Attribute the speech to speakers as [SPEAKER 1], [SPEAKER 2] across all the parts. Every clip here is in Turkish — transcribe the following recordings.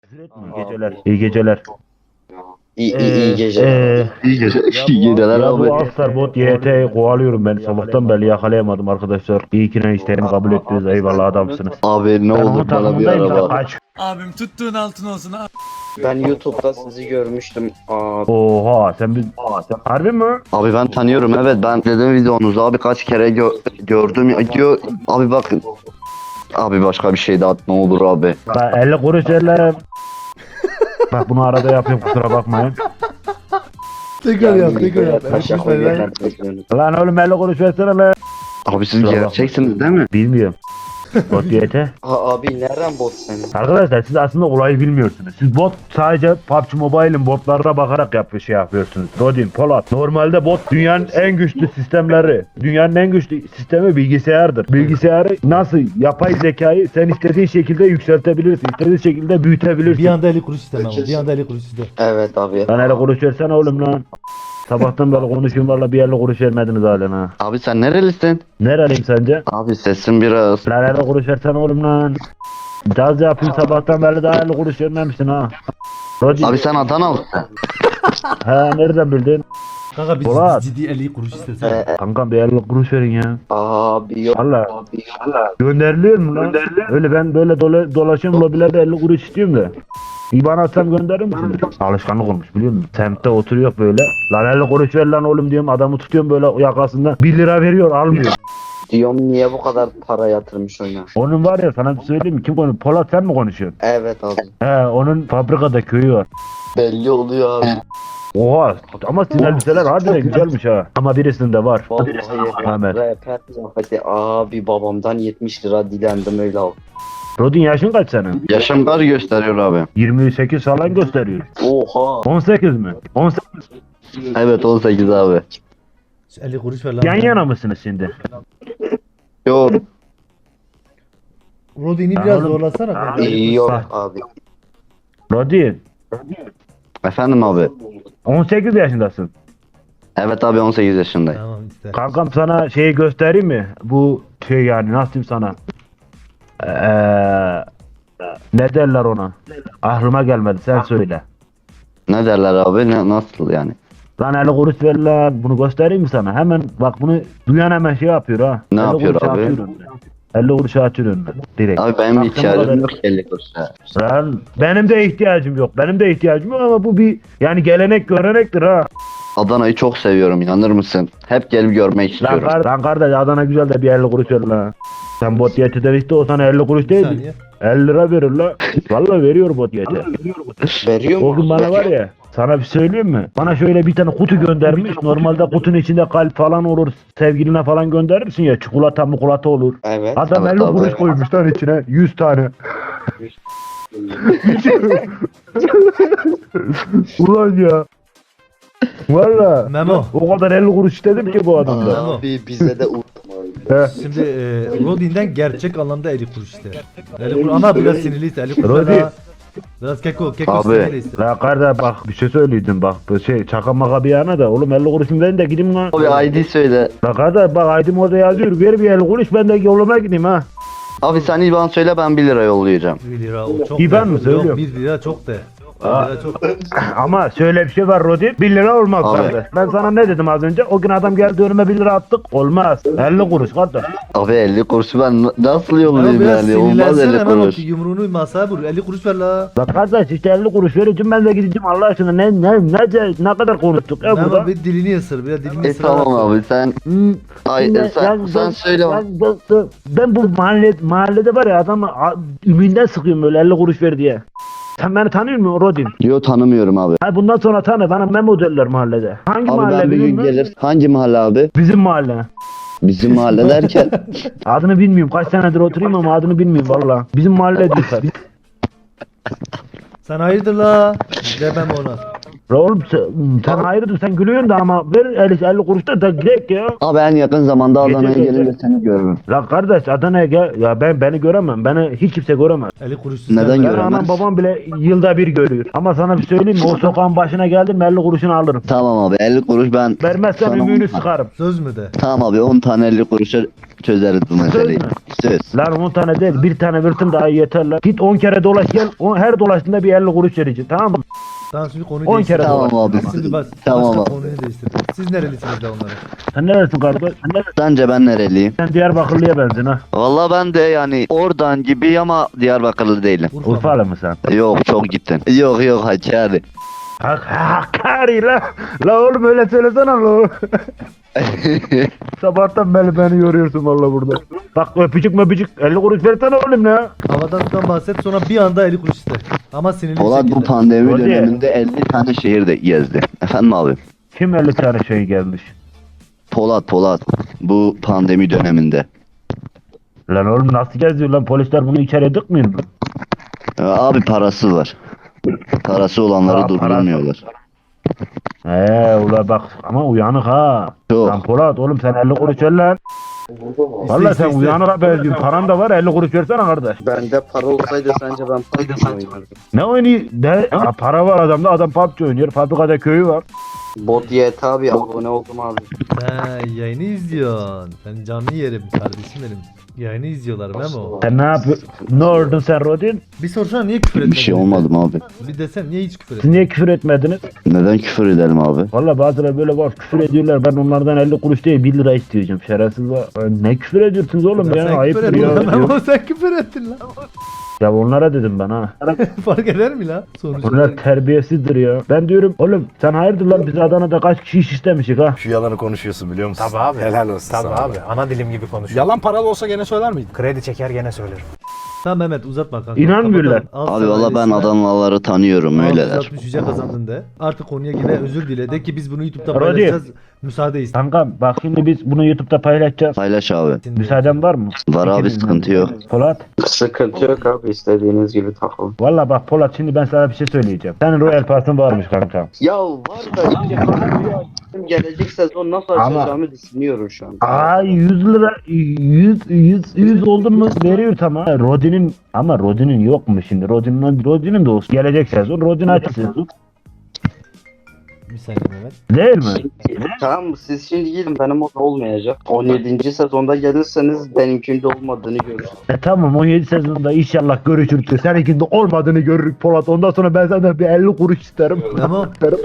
[SPEAKER 1] İyi geceler. İyi geceler.
[SPEAKER 2] İyi geceler.
[SPEAKER 3] İyi geceler
[SPEAKER 1] Ya bu
[SPEAKER 3] abi.
[SPEAKER 1] Aksarbot YT'yi kovalıyorum ben. Sabahtan beri yakalayamadım arkadaşlar. İyi ki ne isteğimi kabul ettiniz. Eyvallah adamsınız.
[SPEAKER 3] Abi ne
[SPEAKER 1] Ben onun
[SPEAKER 3] olur bana bir
[SPEAKER 1] takımındayım da
[SPEAKER 3] araba.
[SPEAKER 1] kaç.
[SPEAKER 4] Abim tuttuğun altın olsun abi.
[SPEAKER 2] Ben YouTube'da sizi görmüştüm.
[SPEAKER 1] Oha sen bir... Harbi mi?
[SPEAKER 3] Abi ben tanıyorum, evet, ben dedim videonuzu abi kaç kere gördüm ya, diyor. Abi bak. Abi başka bir şey de at ne olur abi.
[SPEAKER 1] Ben 50 kuruş veririm. Bak bunu arada yapıyorum kusura bakmayın.
[SPEAKER 5] Tekrar yap.
[SPEAKER 2] Paşa koyuyorlar.
[SPEAKER 1] Lan oğlum 50 kuruş versene lan.
[SPEAKER 3] Abi siz
[SPEAKER 1] Kusura
[SPEAKER 3] gerçeksiniz değil mi?
[SPEAKER 1] Bilmiyorum. Bot YT.
[SPEAKER 2] Abi nereden bot senin?
[SPEAKER 1] Arkadaşlar siz aslında olayı bilmiyorsunuz. Siz bot sadece PUBG Mobile'in botlarına bakarak yapıyorsunuz. Rodin, Polat. Normalde bot dünyanın en güçlü sistemleri. Dünyanın en güçlü sistemi bilgisayardır. Bilgisayarı nasıl yapay zekayı sen istediğin şekilde yükseltebilirsin. İstediğin şekilde büyütebilirsin.
[SPEAKER 5] Bir anda 50 kuruş istemem. Bir anda 50 kuruş istemem.
[SPEAKER 2] Evet abi.
[SPEAKER 1] Lan 50 kuruş versene oğlum lan. Sabahtan beri konuşuyorum valla bir 50 kuruş vermediniz halen ha.
[SPEAKER 3] Abi sen nerelisin?
[SPEAKER 1] Nereliyim sence?
[SPEAKER 3] Abi sesin biraz.
[SPEAKER 1] Lan 50 kuruş versene oğlum lan. Caz yapayım sabahtan beri daha 50 kuruş vermemişsin ha. Rodin.
[SPEAKER 3] Abi sen Adanalısın.
[SPEAKER 1] Ha nereden bildin?
[SPEAKER 5] Kanka biz
[SPEAKER 1] Polat.
[SPEAKER 5] ciddi 50 kuruş istesene.
[SPEAKER 1] Kankam bir 50 kuruş verin ya.
[SPEAKER 2] Abi yok.
[SPEAKER 1] Valla gönderiliyor mu lan? Öyle ben böyle dolaşıyorum lobilerde 50 kuruş istiyorum da. İban atsam gönderir misiniz? Alışkanlık olmuş biliyor musun? Semtte oturuyor böyle. Lan 50 kuruş ver lan oğlum diyorum adamı tutuyorum böyle yakasından. 1 lira veriyor almıyor.
[SPEAKER 2] Diyorum niye bu kadar para yatırmış oyuna?
[SPEAKER 1] Onun var ya sana bir söyleyeyim mi? Kim konuşuyor? Polat sen mi konuşuyorsun?
[SPEAKER 2] Evet abi.
[SPEAKER 1] He onun fabrikada köyü var.
[SPEAKER 3] Belli oluyor abi.
[SPEAKER 1] Oha ama sizin elbiseler harbiden güzelmiş ha. Ama birisinde var.
[SPEAKER 2] Vallahi
[SPEAKER 1] Ahmet.
[SPEAKER 2] rehber zafiyeti. Abi babamdan 70 lira dilendim öyle al.
[SPEAKER 1] Rodin yaşın kaç senin?
[SPEAKER 3] Yaşım kaç gösteriyor abi?
[SPEAKER 1] 28 falan gösteriyor.
[SPEAKER 2] Oha.
[SPEAKER 1] 18 mi? 18.
[SPEAKER 3] Evet 18 abi.
[SPEAKER 5] 50 kuruş ver lan.
[SPEAKER 1] Yan yana mısınız şimdi?
[SPEAKER 3] Yok.
[SPEAKER 5] Rodin'i biraz zorlasana kanka.
[SPEAKER 2] Yok abi.
[SPEAKER 1] Rodin
[SPEAKER 3] Efendim abi.
[SPEAKER 1] 18 yaşındasın.
[SPEAKER 3] Evet abi 18 yaşındayım.
[SPEAKER 5] Tamam iste.
[SPEAKER 1] Kankam sana şeyi göstereyim mi? Bu şey yani nasıl diyeyim sana? Ne derler ona? Aklıma gelmedi sen söyle.
[SPEAKER 3] Ne derler abi? Nasıl yani?
[SPEAKER 1] Lan 50 kuruş ver lan bunu göstereyim mi sana? Hemen bak bunu duyan hemen şey yapıyor ha.
[SPEAKER 3] Ne
[SPEAKER 1] 50
[SPEAKER 3] yapıyor
[SPEAKER 1] kuruş
[SPEAKER 3] abi?
[SPEAKER 1] atıyor önüne. 50 kuruş atıyor önüne. Direkt.
[SPEAKER 3] Abi benim
[SPEAKER 1] Bak,
[SPEAKER 3] ihtiyacım
[SPEAKER 1] kadar-
[SPEAKER 3] yok 50 kuruşa.
[SPEAKER 1] Lan benim de ihtiyacım yok. Benim de ihtiyacım yok ama bu bir yani gelenek görenektir ha.
[SPEAKER 3] Adana'yı çok seviyorum, inanır mısın? Hep gelip görmek
[SPEAKER 1] Lan,
[SPEAKER 3] istiyorum.
[SPEAKER 1] lan kardeş Adana güzel de bir 50 kuruş ver lan. Sen bot yetiden işte o sana 50 kuruş
[SPEAKER 5] Bir
[SPEAKER 1] değil.
[SPEAKER 5] saniye.
[SPEAKER 1] 50 lira verir la. Vallahi veriyor bot yeti.
[SPEAKER 2] Veriyor
[SPEAKER 1] O gün
[SPEAKER 2] mu?
[SPEAKER 1] bana var ya sana bir söyleyeyim mi? Bana şöyle bir tane kutu göndermiş. Normalde kutunun içinde kalp falan olur. Sevgiline falan gönderirsin ya. Çikolata mukulata olur.
[SPEAKER 2] Evet.
[SPEAKER 1] Adam
[SPEAKER 3] Evet,
[SPEAKER 1] 50
[SPEAKER 3] abi.
[SPEAKER 1] kuruş koymuş lan içine. 100 tane. Ulan ya. Valla.
[SPEAKER 5] Memo.
[SPEAKER 1] O kadar 50 kuruş istedim ki bu adamda.
[SPEAKER 5] Tamam.
[SPEAKER 2] Abi bize de
[SPEAKER 1] He.
[SPEAKER 5] Şimdi Rodin'den gerçek anlamda 50 kuruş iste. 50 kuruş ama biraz sinirliyse 50 kuruş
[SPEAKER 1] Rodin.
[SPEAKER 5] daha. Biraz keko
[SPEAKER 3] Abi.
[SPEAKER 5] sinirli iste.
[SPEAKER 1] La kardeş bak bir şey söyleydim bak. Bu şey çaka maka bir yana da. Oğlum 50 kuruşumu verin de gideyim lan.
[SPEAKER 3] Abi ID söyle.
[SPEAKER 1] La kardeş bak aydım orada yazıyor. Ver bir 50 kuruş ben de yoluma gideyim ha.
[SPEAKER 3] Abi sen IBAN söyle, ben 1 lira yollayacağım.
[SPEAKER 5] 1 lira o çok.
[SPEAKER 1] İyi ben
[SPEAKER 5] de.
[SPEAKER 1] mi söylüyorum?
[SPEAKER 5] Yok 1 lira çok de. 1
[SPEAKER 1] Aa.
[SPEAKER 5] lira çok.
[SPEAKER 1] Ama şöyle bir şey var Rodin. 1 lira olmaz
[SPEAKER 3] Abi.
[SPEAKER 1] kardeş. Ben sana ne dedim az önce? O gün adam geldi önüme 1 lira attık. Olmaz. 50 kuruş kardeş.
[SPEAKER 3] Abi 50 kuruşu ben nasıl
[SPEAKER 5] Ama
[SPEAKER 3] yollayayım
[SPEAKER 5] biraz
[SPEAKER 3] yani? Olmaz
[SPEAKER 5] sinirlensene
[SPEAKER 3] 50
[SPEAKER 5] hemen o
[SPEAKER 3] kuruş.
[SPEAKER 5] yumruğunu masaya vur. 50 kuruş ver la.
[SPEAKER 1] La kardeş işte 50 kuruş vereceğim ben de gideceğim Allah aşkına ne kadar konuştuk ya burada.
[SPEAKER 5] Memo bir dilini ısır. Bir dilini ısır.
[SPEAKER 3] Tamam abi sen
[SPEAKER 1] Hmm,
[SPEAKER 3] ay
[SPEAKER 1] şimdi
[SPEAKER 3] sen söyle.
[SPEAKER 1] ben bu mahallede var ya adamı üminden sıkıyorum böyle 50 kuruş ver diye. Sen beni tanıyor musun Rodin?
[SPEAKER 3] Yo, tanımıyorum abi.
[SPEAKER 1] Ha bundan sonra tanı bana Memo derler mahallede. Hangi
[SPEAKER 3] Abi
[SPEAKER 1] mahalle
[SPEAKER 3] ben bir
[SPEAKER 1] biliyor
[SPEAKER 3] gün
[SPEAKER 1] musun?
[SPEAKER 3] gelir. Hangi mahalle abi?
[SPEAKER 1] Bizim mahalle.
[SPEAKER 3] Bizim mahalle derken.
[SPEAKER 1] Adını bilmiyorum kaç senedir oturayım ama adını bilmiyorum valla. Bizim mahalle diyorlar.
[SPEAKER 5] Sen hayırdır la? Demem ona.
[SPEAKER 1] La oğlum sen hayırdır sen gülüyorsun da ama ver 50 kuruş da direkt ya.
[SPEAKER 3] Abi en yakın zamanda Adana'ya
[SPEAKER 1] Gece-
[SPEAKER 3] gelince seni görürüm.
[SPEAKER 1] La kardeş Adana'ya gel. Ya beni göremem. Beni hiç kimse göremez.
[SPEAKER 5] 50 kuruş.
[SPEAKER 3] Neden
[SPEAKER 1] Ben
[SPEAKER 3] göremez?
[SPEAKER 1] anam babam bile yılda bir görüyor. Ama sana bir söyleyeyim mi? O sokağın başına geldim 50 kuruşunu alırım.
[SPEAKER 3] Tamam abi 50 kuruş ben
[SPEAKER 1] Vermezsen
[SPEAKER 3] sana
[SPEAKER 1] ümüğünü
[SPEAKER 3] 10 tane-
[SPEAKER 1] sıkarım.
[SPEAKER 5] Söz mü de?
[SPEAKER 3] Tamam abi 10 tane 50 kuruşa çözeriz bu meseleyi.
[SPEAKER 1] mü?
[SPEAKER 3] Söz.
[SPEAKER 1] Lan 10 tane değil, bir tane versin daha iyi yeter lan. Git 10 kere dolaş gel. Her dolaştığında bir 50 kuruş vereceksin, tamam mı?
[SPEAKER 5] Tamam şimdi konuyu
[SPEAKER 1] 10 kere
[SPEAKER 5] değiştirelim.
[SPEAKER 3] Tamam abi.
[SPEAKER 5] Şimdi
[SPEAKER 3] Tamam
[SPEAKER 5] başka
[SPEAKER 3] abi.
[SPEAKER 5] konuyu değiştirelim. Siz nerelisiniz de onlara?
[SPEAKER 1] Sen neresin kardeş?
[SPEAKER 3] Sence ben nereliyim?
[SPEAKER 1] Sen Diyarbakırlı'ya benzin ha.
[SPEAKER 3] Valla ben de yani oradan gibi ama Diyarbakırlı değilim.
[SPEAKER 5] Urfa.
[SPEAKER 1] Urfalı mı sen?
[SPEAKER 3] Yok çok gittin. Yok Hakkari.
[SPEAKER 1] Hakkari la. La oğlum öyle söylesene la. Sabahtan beni yoruyorsun valla burada. Bak öpücük 50 kuruş versene oğlum ya.
[SPEAKER 5] Havadan sudan bahset sonra bir anda 50 kuruş iste. Ama sinirli bir
[SPEAKER 3] Polat bu
[SPEAKER 5] şekilde.
[SPEAKER 3] pandemi
[SPEAKER 1] Hadi.
[SPEAKER 3] döneminde 50 tane şehir de gezdi. Efendim abi?
[SPEAKER 1] Kim 50 tane şey gelmiş?
[SPEAKER 3] Polat bu pandemi döneminde.
[SPEAKER 1] Lan oğlum nasıl geziyor lan, polisler bunu içeri dıkmıyor mu?
[SPEAKER 3] Abi parası var. Parası olanları
[SPEAKER 1] Aa,
[SPEAKER 3] durdurmuyorlar.
[SPEAKER 1] Ula bak ama uyanık ha.
[SPEAKER 3] Yok.
[SPEAKER 1] Lan Polat oğlum sen 50 kuruş ver lan. Valla sen
[SPEAKER 5] iste.
[SPEAKER 1] uyanık benziyorsun. Paran da var 50 kuruş versene kardeş.
[SPEAKER 2] Bende para olsaydı sence ben PUBG oynardım.
[SPEAKER 1] Ne oynuyor? Para var adamda, adam PUBG oynuyor. Fabrikada köyü var.
[SPEAKER 2] Bot YT abi abone oldum abi.
[SPEAKER 5] He yayını izliyorsun. Ben canlı yerim kardeşim benim. Yayını izliyorlar Memo.
[SPEAKER 1] Sen ne yapıyorsun? Ne oldun sen Rodin?
[SPEAKER 5] Bir sorsana niye küfür
[SPEAKER 3] Bir
[SPEAKER 5] etmediniz?
[SPEAKER 3] şey olmadı mı abi?
[SPEAKER 5] Bir desem niye hiç küfür
[SPEAKER 1] Siz
[SPEAKER 5] etmediniz?
[SPEAKER 1] niye küfür etmediniz?
[SPEAKER 3] Neden küfür edelim abi?
[SPEAKER 1] Valla bazıları böyle var küfür ediyorlar. Ben onlardan 50 kuruş değil 1 lira isteyeceğim. Şerefsiz var. Ne küfür ediyorsunuz oğlum ya?
[SPEAKER 5] Sen
[SPEAKER 1] Ayıptır
[SPEAKER 5] küfür ettin
[SPEAKER 1] ya.
[SPEAKER 5] lan Memo sen küfür ettin lan.
[SPEAKER 1] Ya onlara dedim ben ha.
[SPEAKER 5] Fark eder mi lan? Sonuçta.
[SPEAKER 1] Onlar terbiyesizdir ya. Ben diyorum oğlum sen hayırdır lan, biz Adana'da kaç kişi iş istemişik ha?
[SPEAKER 6] Şu yalanı konuşuyorsun biliyor musun?
[SPEAKER 7] Tabii abi.
[SPEAKER 6] Helal olsun
[SPEAKER 7] Tabii
[SPEAKER 6] sana.
[SPEAKER 7] abi. Ana dilim gibi konuşuyor.
[SPEAKER 6] Yalan paralı olsa gene söyler miydin?
[SPEAKER 7] Kredi çeker gene söylerim.
[SPEAKER 5] Tamam Mehmet uzatma kanka.
[SPEAKER 1] İnanmıyorlar.
[SPEAKER 5] Kapatalım. Al
[SPEAKER 3] Abi
[SPEAKER 5] sana
[SPEAKER 3] valla ben
[SPEAKER 5] ailesine.
[SPEAKER 3] Adanalıları tanıyorum öyleler.
[SPEAKER 5] 660 yüce kazandın de. Artık konuya yine özür dile. De ki biz bunu YouTube'da
[SPEAKER 1] Rodi.
[SPEAKER 5] paylaşacağız. Müsaade iste.
[SPEAKER 1] Kankam bak şimdi biz bunu YouTube'da paylaşacağız.
[SPEAKER 3] Paylaş abi.
[SPEAKER 1] Müsaaden var mı?
[SPEAKER 3] Var abi
[SPEAKER 1] İkimizden.
[SPEAKER 3] sıkıntı yok.
[SPEAKER 1] Polat.
[SPEAKER 2] Sıkıntı yok abi istediğiniz gibi takılın.
[SPEAKER 1] Valla bak Polat şimdi ben sana bir şey söyleyeceğim. Senin Royal Pass'ın varmış kankam.
[SPEAKER 2] Ya var da işte gelecek sezon nasıl
[SPEAKER 1] Ama-
[SPEAKER 2] açacağımı düşünüyorum şu an.
[SPEAKER 1] Aa 100 lira 100 oldun mu veriyor tamam. Rodin'in yok mu şimdi? Rodin'in de olsun. Gelecek sezon Rodin açsın.
[SPEAKER 5] Bir saniye Mehmet.
[SPEAKER 1] Değil mi?
[SPEAKER 2] Tamam siz şimdi gidin benim orada olmayacak. 17. sezonda gelirseniz benimkinde olmadığını görürsünüz.
[SPEAKER 1] Tamam 17 sezonda inşallah görüşürüz. Seninkinde olmadığını görürük Polat. Ondan sonra ben senden bir 50 kuruş isterim.
[SPEAKER 5] Tamam.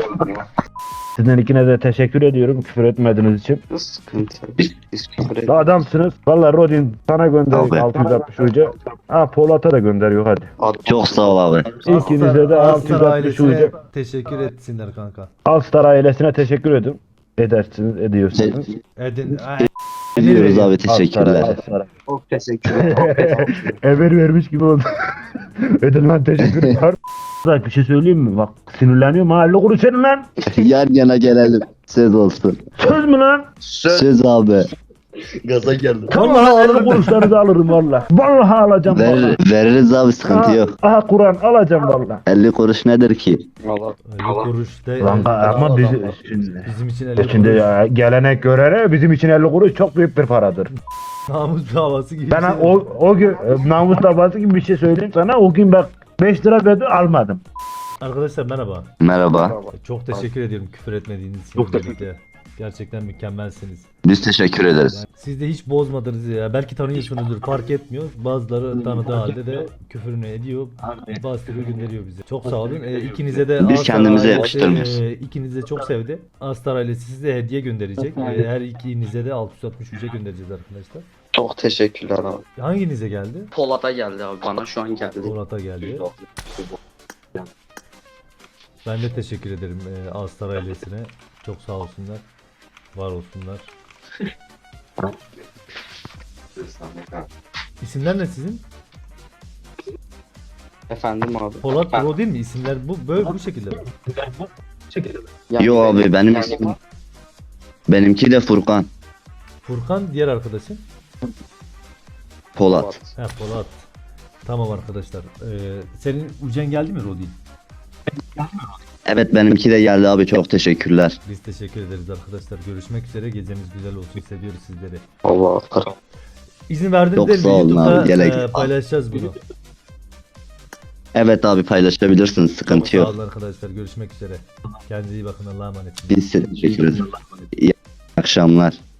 [SPEAKER 1] Sizden ikine de teşekkür ediyorum küfür etmediğiniz için.
[SPEAKER 2] Sıkıntı yok. Biz küfür edin.
[SPEAKER 1] Adamsınız. Valla Rodin sana gönderiyor
[SPEAKER 3] Abi.
[SPEAKER 1] 660 hoca. Ha Polat'a da gönderiyor hadi.
[SPEAKER 3] Çok sağ ol abi.
[SPEAKER 1] İkinize de
[SPEAKER 5] Aslan
[SPEAKER 1] 660
[SPEAKER 5] ailesine
[SPEAKER 1] hoca.
[SPEAKER 5] teşekkür etsinler kanka.
[SPEAKER 1] Alstar ailesine teşekkür edin. Ediyorsunuz.
[SPEAKER 5] Edin.
[SPEAKER 3] Ediyoruz abi teşekkürler.
[SPEAKER 1] Alstar'a.
[SPEAKER 2] Çok teşekkür ederim.
[SPEAKER 1] Emir vermiş gibi oldu. Ödün lan teşekkürler. Bir şey söyleyeyim mi? Bak sinirleniyorum ha. 50 kuruş senin lan.
[SPEAKER 3] Yan yana gelelim. Söz olsun.
[SPEAKER 1] Söz mü lan?
[SPEAKER 3] Söz abi.
[SPEAKER 2] Gaza geldim.
[SPEAKER 1] Vallahi 50 kuruşlarınızı alırım valla. Vallahi alacağım valla.
[SPEAKER 3] Veririz abi sıkıntı yok.
[SPEAKER 1] Aha Kur'an alacağım valla.
[SPEAKER 3] 50 kuruş nedir ki?
[SPEAKER 2] Allah.
[SPEAKER 5] 50 kuruş de.
[SPEAKER 1] Lan ama
[SPEAKER 5] bizim için 50
[SPEAKER 1] şimdi
[SPEAKER 5] kuruş.
[SPEAKER 1] ya, gelenek görene bizim için 50 kuruş çok büyük bir paradır.
[SPEAKER 5] Namus davası gibi.
[SPEAKER 1] Ben
[SPEAKER 5] bir şey.
[SPEAKER 1] o gün namus davası gibi bir şey söyleyeyim sana. O gün bak 5 lira verdim almadım.
[SPEAKER 5] Arkadaşlar merhaba.
[SPEAKER 3] Merhaba.
[SPEAKER 5] Çok teşekkür ediyorum küfür etmediğiniz için birlikte. Gerçekten mükemmelsiniz.
[SPEAKER 3] Biz teşekkür ederiz.
[SPEAKER 5] Siz de hiç bozmadınız ya. Belki tanıyorsunuzdur fark etmiyor. Bazıları tanıdığı halde de küfürünü ediyor. Bazıları gönderiyor bize. Çok sağ olun. İkinize de
[SPEAKER 3] Biz
[SPEAKER 5] Astar
[SPEAKER 3] kendimize
[SPEAKER 5] ailesi,
[SPEAKER 3] yakıştırmıyoruz.
[SPEAKER 5] İkinize çok sevdi. Astar ailesi size hediye gönderecek. Her ikinize de 660 ücret göndereceğiz arkadaşlar.
[SPEAKER 2] Çok teşekkürler abi.
[SPEAKER 5] Hanginize geldi?
[SPEAKER 2] Polat'a geldi abi bana şu an geldi.
[SPEAKER 5] Polat'a geldi. Ben de teşekkür ederim Astar ailesine. Çok sağ olsunlar. Var olsunlar. İsimler ne sizin?
[SPEAKER 2] Efendim abi.
[SPEAKER 5] Polat Pro değil mi? İsimler böyle bu şekilde mi?
[SPEAKER 2] Yani
[SPEAKER 3] Yo abi benim ismim. Benimki de Furkan.
[SPEAKER 5] Furkan diğer arkadaşın.
[SPEAKER 3] Polat.
[SPEAKER 5] He Polat. Tamam arkadaşlar. Senin Ucen geldi mi Rodi?
[SPEAKER 3] Evet benimki de geldi abi çok teşekkürler.
[SPEAKER 5] Biz teşekkür ederiz arkadaşlar. Görüşmek üzere. Geceniz güzel olsun. Seviyoruz sizleri.
[SPEAKER 2] Allah.
[SPEAKER 5] İzin verdiğinizde
[SPEAKER 3] Çok sağ olun
[SPEAKER 5] YouTube'da
[SPEAKER 3] abi, gerek-
[SPEAKER 5] paylaşacağız bunu.
[SPEAKER 3] Evet abi paylaşabilirsiniz sıkıntı
[SPEAKER 5] Sağ
[SPEAKER 3] yok.
[SPEAKER 5] olun arkadaşlar. Görüşmek üzere. Kendinize iyi bakın. Allah'a emanet.
[SPEAKER 3] Biz size teşekkür ederiz. İyi akşamlar.